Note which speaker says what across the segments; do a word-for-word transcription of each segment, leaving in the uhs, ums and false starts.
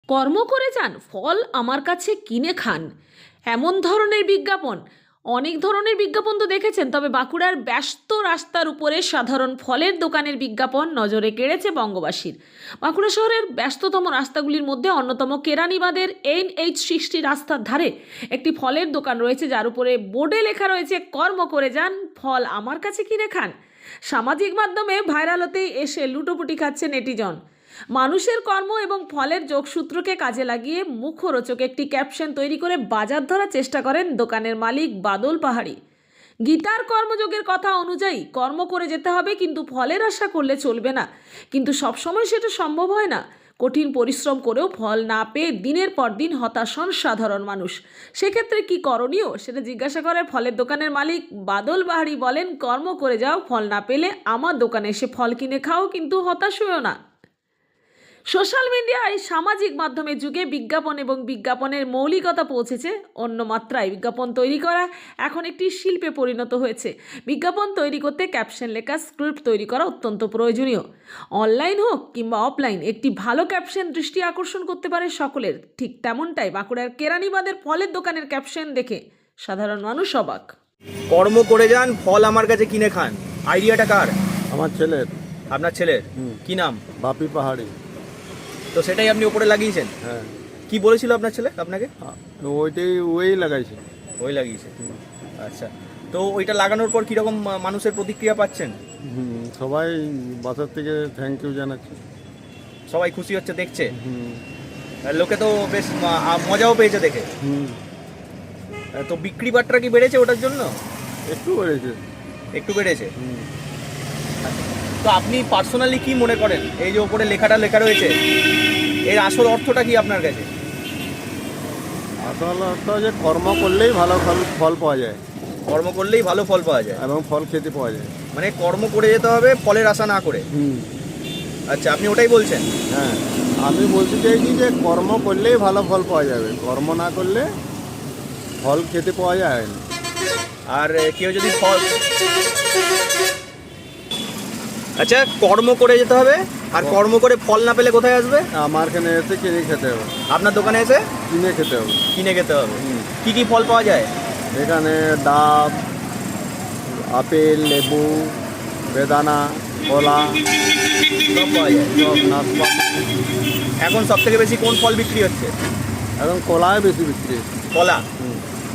Speaker 1: কর্ম করে যান, ফল আমার কাছে কিনে খান, এমন ধরনের বিজ্ঞাপন। অনেক ধরনের বিজ্ঞাপন তো দেখেছেন, তবে বাঁকুড়ার ব্যস্ত রাস্তার উপরে সাধারণ ফলের দোকানের বিজ্ঞাপন নজরে কেড়েছে বঙ্গবাসীর। বাঁকুড়া শহরের ব্যস্ততম রাস্তাগুলির মধ্যে অন্যতম কেরানীবাঁধের এন এইচ সিক্সটি রাস্তার ধারে একটি ফলের দোকান রয়েছে, যার উপরে বোর্ডে লেখা রয়েছে কর্ম করে যান, ফল আমার কাছে কিনে খান। সামাজিক মাধ্যমে ভাইরাল হতেই এসে লুটোপুটি খাচ্ছে নেটিজন। মানুষের কর্ম এবং ফলের যোগসূত্রকে কাজে লাগিয়ে মুখরোচক একটি ক্যাপশন তৈরি করে বাজার ধরার চেষ্টা করেন দোকানের মালিক বাদল পাহাড়ি। গীতার কর্মযোগের কথা অনুযায়ী কর্ম করে যেতে হবে, কিন্তু ফলের আশা করলে চলবে না। কিন্তু সবসময় সেটা সম্ভব হয় না। কঠিন পরিশ্রম করেও ফল না পেয়ে দিনের পর দিন হতাশ হন সাধারণ মানুষ। সেক্ষেত্রে কি করণীয় সেটা জিজ্ঞাসা করে ফলের দোকানের মালিক বাদল পাহাড়ি। বলেন, কর্ম করে যাও, ফল না পেলে আমার দোকানে এসে ফল কিনে খাও, কিন্তু হতাশ হয়েও না। সোশ্যাল মিডিয়ায় সামাজিক মাধ্যমের যুগে বিজ্ঞাপন এবং বিজ্ঞাপনের মৌলিকতা পৌঁছেছে অন্য মাত্রায়। বিজ্ঞাপন তৈরি করা এখন একটি শিল্পে পরিণত হয়েছে। বিজ্ঞাপন তৈরি করতে ক্যাপশন লেখা, স্ক্রিপ্ট তৈরি করা অত্যন্ত প্রয়োজনীয়। অনলাইন হোক কিংবা অফলাইন, একটি ভালো ক্যাপশন দৃষ্টি আকর্ষণ করতে পারে সকলের। ঠিক তেমনটাই বাঁকুড়ার কেরানীবাঁধের ফলের দোকানের ক্যাপশন দেখে সাধারণ মানুষ অবাক।
Speaker 2: কর্ম করে যান, ফল আমার কাছে কিনে খান, আইডিয়াটা কার?
Speaker 3: আমার ছেলের।
Speaker 2: আপনার ছেলের?
Speaker 3: হুম।
Speaker 2: কি নাম?
Speaker 3: বাপি পাহাড়ি।
Speaker 2: তো সেটাই আপনি উপরে লাগিয়েছেন?
Speaker 3: হ্যাঁ।
Speaker 2: কি বলেছিল আপনার ছেলে আপনাকে?
Speaker 3: আ, ওইটাই ওই লাগাইছে।
Speaker 2: ওই লাগিয়েছে। আচ্ছা, তো ওইটা লাগানোর পর কীরকম মানুষের প্রতিক্রিয়া পাচ্ছেন?
Speaker 3: হুম, সবাই বাসার থেকে থ্যাংক ইউ জানাচ্ছে।
Speaker 2: সবাই খুশি হচ্ছে দেখছে?
Speaker 3: হুম
Speaker 2: আর লোকে তো বেশ আ- মজাও পেয়েছে দেখে।
Speaker 3: হুম
Speaker 2: তো বিক্রি বাট্টা কি বেড়েছে ওটার জন্য?
Speaker 3: একটু বেড়েছে।
Speaker 2: একটু বেড়েছে।
Speaker 3: হুম।
Speaker 2: তো আপনি পার্সোনালি কি মনে করেন, এই যে ওপরে লেখাটা লেখা রয়েছে, এর আসল অর্থটা কি আপনার কাছে?
Speaker 3: আসল অর্থ যে কর্ম করলেই ভালো ফল ফল পাওয়া যায়
Speaker 2: কর্ম করলেই ভালো ফল পাওয়া যায়,
Speaker 3: এবং ফল খেতে পাওয়া যায়।
Speaker 2: মানে কর্ম করে যেতে হবে, ফলের আশা না করে।
Speaker 3: হুম।
Speaker 2: আচ্ছা, আপনি ওটাই বলছেন?
Speaker 3: হ্যাঁ, আমি বলতে চাইছি যে কর্ম করলেই ভালো ফল পাওয়া যাবে, কর্ম না করলে ফল খেতে পাওয়া যায় না।
Speaker 2: আর কেউ যদি ফল, আচ্ছা, কর্ম করে যেতে হবে, আর কর্ম করে ফল না পেলে কোথায় আসবে?
Speaker 3: আমার এখানে এসে কিনে খেতে হবে।
Speaker 2: আপনার দোকানে এসে
Speaker 3: কিনে খেতে হবে।
Speaker 2: কিনে খেতে হবে।
Speaker 3: হুম।
Speaker 2: কি কি ফল পাওয়া যায়?
Speaker 3: এখানে ডাব, আপেল, লেবু, বেদানা, কলা,
Speaker 2: সব পাওয়া যায়।
Speaker 3: সব নাশপাতি।
Speaker 2: এখন সব থেকে বেশি কোন ফল বিক্রি হচ্ছে?
Speaker 3: এখন কলায় বেশি বিক্রি হচ্ছে।
Speaker 2: কলা।
Speaker 3: হুম।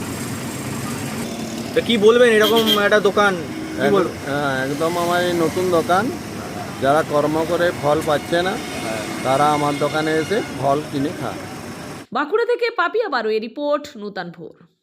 Speaker 2: তো কি বলবেন, এরকম একটা দোকান কি বলবো?
Speaker 3: হ্যাঁ, একদম আমার এই নতুন দোকান। যারা কর্ম করে ফল পাচ্ছে না, তারা আমার দোকানে এসে ফল কিনে খায়।
Speaker 1: বাঁকুড়া থেকে পাপিয়া বারোয়ের রিপোর্ট, নূতন ভোর।